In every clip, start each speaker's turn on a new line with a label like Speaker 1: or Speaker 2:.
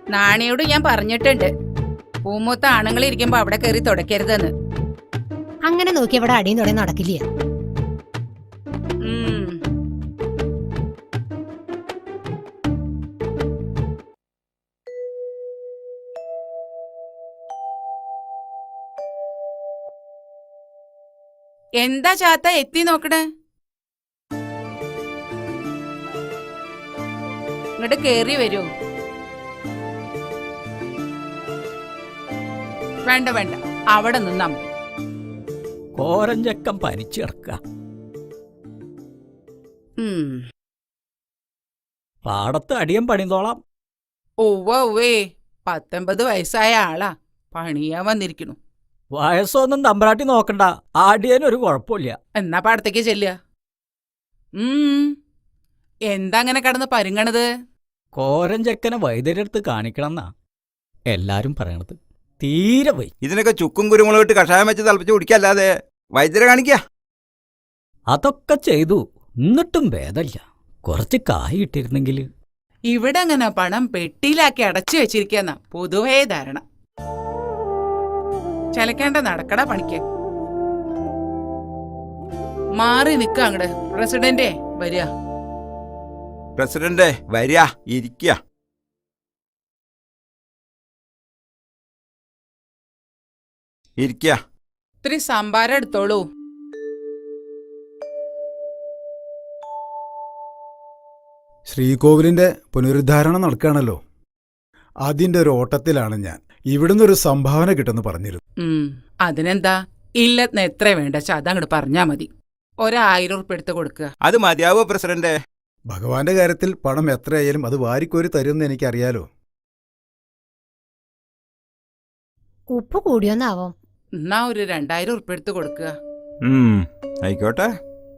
Speaker 1: നാണിയോട് ഞാൻ പറഞ്ഞിട്ടുണ്ട്, പൂമൂത്ത ആണുങ്ങൾ ഇരിക്കുമ്പോ അവിടെ കയറി തുടക്കരുതെന്ന്.
Speaker 2: അങ്ങനെ നോക്കി ഇവിടെ അടിയും തുടങ്ങി നടക്കില്ല.
Speaker 1: എന്താ ചാത്ത എത്തി നോക്കണേ? ഇങ്ങോട്ട് കേറി വരൂ. വേണ്ട വേണ്ട, അവിടെ നിന്നാ മതി.
Speaker 3: കോരഞ്ചക്കം പനിച്ചിറക്ക. പാടത്ത് അടിയം പണിതോളാം.
Speaker 1: ഒവ്വേ 19 വയസ്സായ ആളാ, പണിയാൻ വന്നിരിക്കണു.
Speaker 3: വയസ്സൊന്നും തമ്പ്രാട്ടി നോക്കണ്ട, ആടിയനൊരു കുഴപ്പമില്ല.
Speaker 1: എന്നാ പാടത്തേക്ക് ചെല്ലുക. എന്താ അങ്ങനെ കടന്ന് പരുങ്ങണത്?
Speaker 3: കോരഞ്ചക്കനെ വൈദ്യരെടുത്ത് കാണിക്കണമെന്നാ എല്ലാരും പറയണത്. തീരെ പോയി.
Speaker 4: ഇതിനൊക്കെ ചുക്കും കുരുമുളക് ഇട്ട് കഷായം വെച്ച് തിളപ്പിച്ച് കുടിക്കല്ലാതെ വൈദ്യരെ കാണിക്ക.
Speaker 3: അതൊക്കെ ചെയ്തു, എന്നിട്ടും ഭേദമില്ല. കുറച്ച് കായ് ഇട്ടിരുന്നെങ്കിൽ.
Speaker 1: ഇവിടെ അങ്ങനെ പണം പെട്ടിയിലാക്കി അടച്ചു വെച്ചിരിക്കുന്ന പൊതുവേ ധാരണ. ചലക്കേണ്ട, നടക്കട പണിക്ക്. മാറി നിക്ക അങ്ങട്. പ്രസിഡന്റേ വരിക.
Speaker 4: പ്രസിഡന്റ് വരിക, ഇരിക്കുക. ഇരിക്കുക.
Speaker 1: ഇത്തിരി സംഭാരം എടുത്തോളൂ.
Speaker 5: ശ്രീകോവിലിന്റെ പുനരുദ്ധാരണം നടക്കുകയാണല്ലോ, അതിന്റെ ഒരു ഓട്ടത്തിലാണ് ഞാൻ. ഇവിടുന്ന് ഒരു സംഭാവന കിട്ടുമെന്ന് പറഞ്ഞിരുന്നു.
Speaker 1: അതിനെന്താ, ഇല്ലെന്ന് എത്ര വേണ്ട അതങ്ങോട്ട് പറഞ്ഞാ മതി. 1000 ഉറുപ്പിക എടുത്ത് കൊടുക്കുക.
Speaker 4: അത് മതിയാവോ പ്രസിഡന്റ്?
Speaker 5: ഭഗവാന്റെ കാര്യത്തിൽ പണം എത്രയായാലും അത് വാരിക്കോരി തരുമെന്ന് എനിക്കറിയാലോ.
Speaker 2: ഉപ്പ് കൂടിയോന്നാവോ?
Speaker 1: എന്നാ ഒരു 2000 ഉറുപ്പിക എടുത്ത് കൊടുക്കുക.
Speaker 4: ആയിക്കോട്ടെ.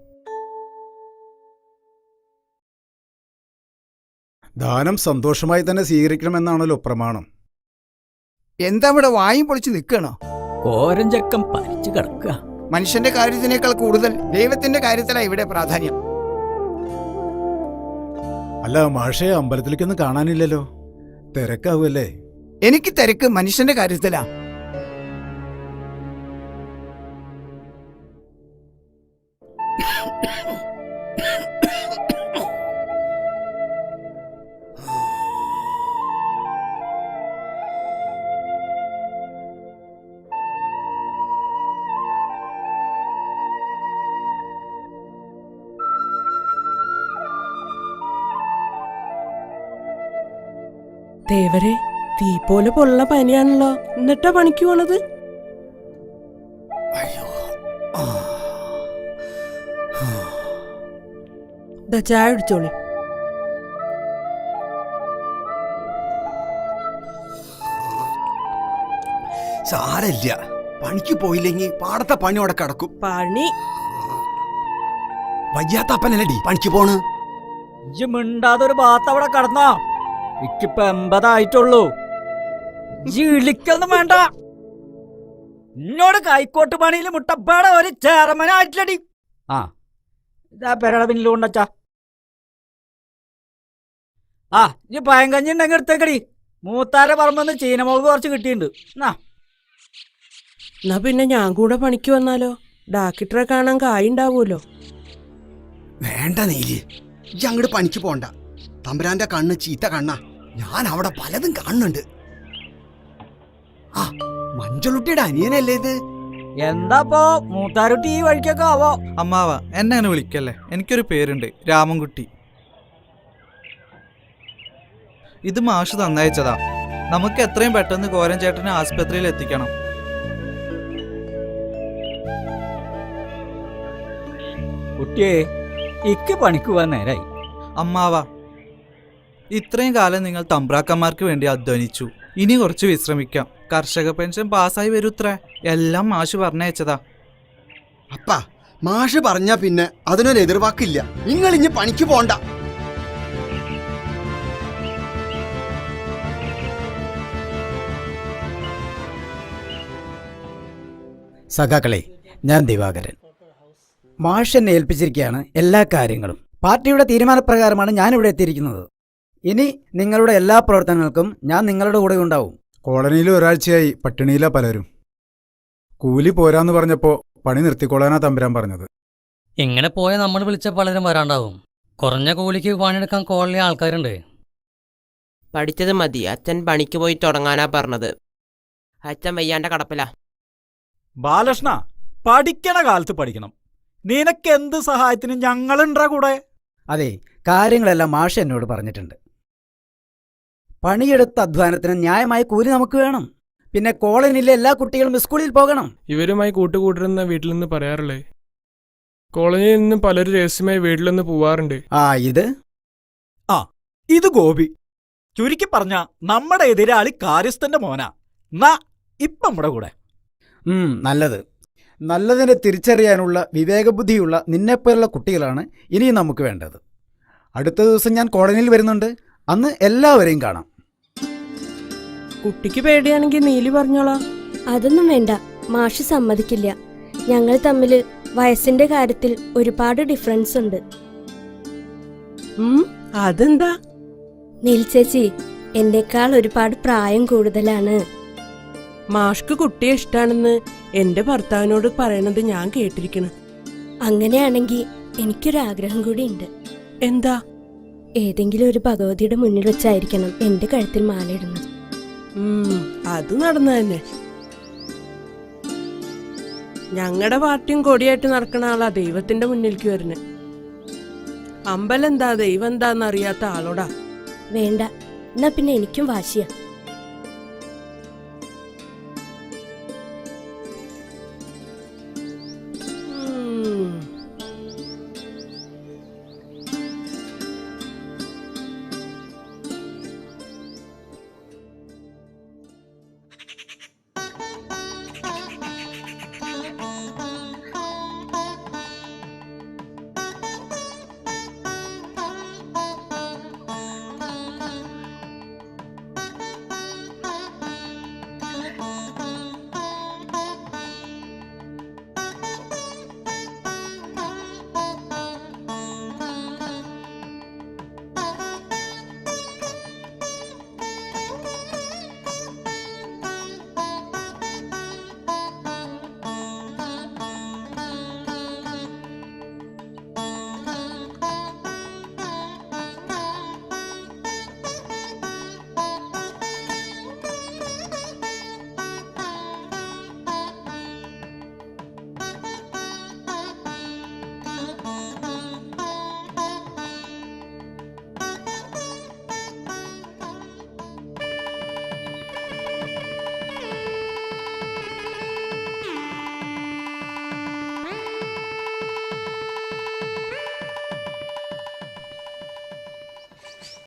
Speaker 5: ദാനം സന്തോഷമായി തന്നെ സ്വീകരിക്കണമെന്നാണല്ലോ പ്രമാണം.
Speaker 6: എന്താ ഇവിടെ വായും പൊളിച്ച് നിൽക്കണോ?
Speaker 3: കോരഞ്ചക്കം പനിച്ചു കിടക്കുക.
Speaker 6: മനുഷ്യന്റെ കാര്യത്തിനേക്കാൾ കൂടുതൽ ദൈവത്തിന്റെ കാര്യത്തിലാണ് ഇവിടെ പ്രാധാന്യം.
Speaker 5: അല്ല മാഷേ, അമ്പലത്തിലേക്കൊന്നും കാണാനില്ലല്ലോ, തിരക്കാവൂല്ലേ?
Speaker 6: എനിക്ക് തിരക്ക് മനുഷ്യന്റെ കാര്യത്തിലാ.
Speaker 7: ദേവരെ, തീ പോലെ പൊള്ള പനിയാണല്ലോ, എന്നിട്ടാ പണിക്ക് പോണത്? ചായ കുടിച്ചോളി.
Speaker 6: സാരല്ല, പണിക്ക് പോയില്ലെങ്കിൽ പാടത്തെ പണി അവിടെ കിടക്കും.
Speaker 7: പണി
Speaker 6: വയ്യാത്തപ്പനല്ലടി പണിക്ക് പോണ്.
Speaker 3: ഇജ്ജ് മിണ്ടാതെ ഒരു ഭാഗത്ത് അവിടെ കടന്നോ. ഇക്കിപ്പോ 80 ആയിട്ടുള്ളൂ. ഇളിക്കൊന്നും വേണ്ട. എന്നോട് കൈക്കോട്ട് പണിയിൽ മുട്ടപ്പാടെ ഒരു ചേർമനായിട്ടില്ലടി. ഇതാ പെരട പിന്നിൽ കൊണ്ടച്ചാ. ഇജ്ജ് പയങ്കഞ്ഞി ഉണ്ടെങ്കിൽ എടുത്തേക്കടി. മൂത്താരെ പറമ്പെന്ന് ചീനമുളക് കുറച്ച് കിട്ടിയിട്ടുണ്ട്.
Speaker 7: എന്നാ പിന്നെ ഞാൻ കൂടെ പണിക്ക് വന്നാലോ? ഡാക്കിട്ടറെ കാണാൻ കായുണ്ടാവൂലോ.
Speaker 6: വേണ്ട നീലി, ഈ അങ്ങോട്ട് പണിക്ക് പോണ്ട. തമ്പുരാന്റെ കണ്ണ് ചീത്ത കണ്ണാ. ഞാൻ അവിടെ പലതും കാണുന്നുണ്ട്. മഞ്ചളുട്ടിയുടെ അനിയനല്ലേ ഇത്?
Speaker 3: എന്താപ്പോ മൂത്താരുട്ടി ഈ വഴിക്കൊക്കെ ആവോ?
Speaker 8: അമ്മാവ, എന്നെ അങ്ങനെ വിളിക്കല്ലേ. എനിക്കൊരു പേരുണ്ട്, രാമൻകുട്ടി. ഇത് മാഷ് തന്നയച്ചതാ. നമുക്ക് എത്രയും പെട്ടെന്ന് കോരൻ ചേട്ടനെ ആസ്പത്രിയിൽ എത്തിക്കണം.
Speaker 3: കുട്ടിയെ, ഇക്ക് പണിക്ക് പോവാൻ നേരായി.
Speaker 8: അമ്മാവ, ഇത്രയും കാലം നിങ്ങൾ തമ്പ്രാക്കന്മാർക്ക് വേണ്ടി അധ്വാനിച്ചു. ഇനി കുറച്ച് വിശ്രമിക്കാം. കർഷക പെൻഷൻ പാസ്സായി വരൂത്രേ. എല്ലാം മാഷ് പറഞ്ഞയച്ചതാ.
Speaker 6: അപ്പാ, മാഷ് പറഞ്ഞാ പിന്നെ അതിനൊരു എതിർവാക്കില്ല. നിങ്ങൾ ഇനി പണിക്ക് പോണ്ട.
Speaker 9: സഖാക്കളെ, ഞാൻ ദിവാകരൻ. മാഷ് എന്നെ ഏൽപ്പിച്ചിരിക്കുകയാണ് എല്ലാ കാര്യങ്ങളും. പാർട്ടിയുടെ തീരുമാനപ്രകാരമാണ് ഞാനിവിടെ എത്തിയിരിക്കുന്നത്. ഇനി നിങ്ങളുടെ എല്ലാ പ്രവർത്തനങ്ങൾക്കും ഞാൻ നിങ്ങളുടെ കൂടെ ഉണ്ടാവും.
Speaker 5: കോളനിയിൽ ഒരാഴ്ചയായി പട്ടിണിയിലാ പലരും. കൂലി പോരാന്ന് പറഞ്ഞപ്പോ പണി നിർത്തിക്കൊള്ളാനാ തമ്പുരാൻ പറഞ്ഞത്.
Speaker 10: ഇങ്ങനെ പോയ നമ്മൾ വിളിച്ച പലരും വരാണ്ടാവും. കുറഞ്ഞ കൂലിക്ക് പണിയെടുക്കാൻ കോളനി ആൾക്കാരുണ്ട്.
Speaker 11: പഠിച്ചത് മതി, അച്ഛൻ പണിക്ക് പോയി തുടങ്ങാനാ പറഞ്ഞത്. അച്ഛൻ വയ്യാണ്ട കടപ്പില.
Speaker 3: ബാലകൃഷ്ണ, പഠിക്കണ കാലത്ത് പഠിക്കണം. നിനക്ക് എന്ത് സഹായത്തിനും ഞങ്ങളുണ്ടാ കൂടെ.
Speaker 9: അതെ, കാര്യങ്ങളെല്ലാം മാഷ് എന്നോട് പറഞ്ഞിട്ടുണ്ട്. പണിയെടുത്ത അധ്വാനത്തിന് ന്യായമായ കൂലി നമുക്ക് വേണം. പിന്നെ കോളനിയിലെ എല്ലാ കുട്ടികളും സ്കൂളിൽ പോകണം.
Speaker 12: ഇവരുമായി കൂട്ടുകൂട്ടരെന്ന വീട്ടിൽ നിന്ന് പറയാറുള്ളേ. കോളനിയിൽ നിന്നും പലരും രഹസ്യമായി വീട്ടിൽ നിന്ന് പോവാറുണ്ട്.
Speaker 3: ഇത് ഗോപി. ചുരുക്കി പറഞ്ഞ നമ്മുടെ എതിരാളി കാര്യസ്ഥന്റെ മോനാ. നാ ഇപ്പം നമ്മുടെ കൂടെ.
Speaker 9: നല്ലത്. നല്ലതിനെ തിരിച്ചറിയാനുള്ള വിവേകബുദ്ധിയുള്ള നിന്നെപ്പോലുള്ള കുട്ടികളാണ് ഇനിയും നമുക്ക് വേണ്ടത്. അടുത്ത ദിവസം ഞാൻ കോളനിയിൽ വരുന്നുണ്ട്. അന്ന് എല്ലാവരെയും കാണാം.
Speaker 7: കുട്ടിക്ക് പേടിയാണെങ്കിൽ നീലി പറഞ്ഞോളാം.
Speaker 13: അതൊന്നും വേണ്ട, മാഷ് സമ്മതിക്കില്ല. ഞങ്ങൾ തമ്മിൽ വയസ്സിന്റെ കാര്യത്തിൽ ഒരുപാട് ഡിഫറൻസ് ഉണ്ട്.
Speaker 7: അതെന്താ?
Speaker 13: നീൽ ചേച്ചി എന്നേക്കാൾ ഒരുപാട് പ്രായം കൂടുതലാണ്.
Speaker 7: മാഷ്ക്ക് കുട്ടിയെ ഇഷ്ടാണെന്ന് എന്റെ ഭർത്താവിനോട് പറയണത് ഞാൻ കേട്ടിരിക്കണ്.
Speaker 13: അങ്ങനെയാണെങ്കിൽ എനിക്കൊരാഗ്രഹം കൂടി ഉണ്ട്.
Speaker 7: എന്താ?
Speaker 13: ഏതെങ്കിലും ഒരു ഭഗവതിയുടെ മുന്നിൽ വെച്ചായിരിക്കണം എന്റെ കഴുത്തിൽ മാലയിടുന്നത്.
Speaker 7: അത് നടന്നു തന്നെ. ഞങ്ങളുടെ പാർട്ടിയും കൊടിയായിട്ട് നടക്കണ ആളാ ദൈവത്തിന്റെ മുന്നിലേക്ക് വരുന്നേ. അമ്പലെന്താ ദൈവം എന്താന്ന് അറിയാത്ത ആളോടാ.
Speaker 13: വേണ്ട, എന്നാ പിന്നെ എനിക്കും വാശിയാ.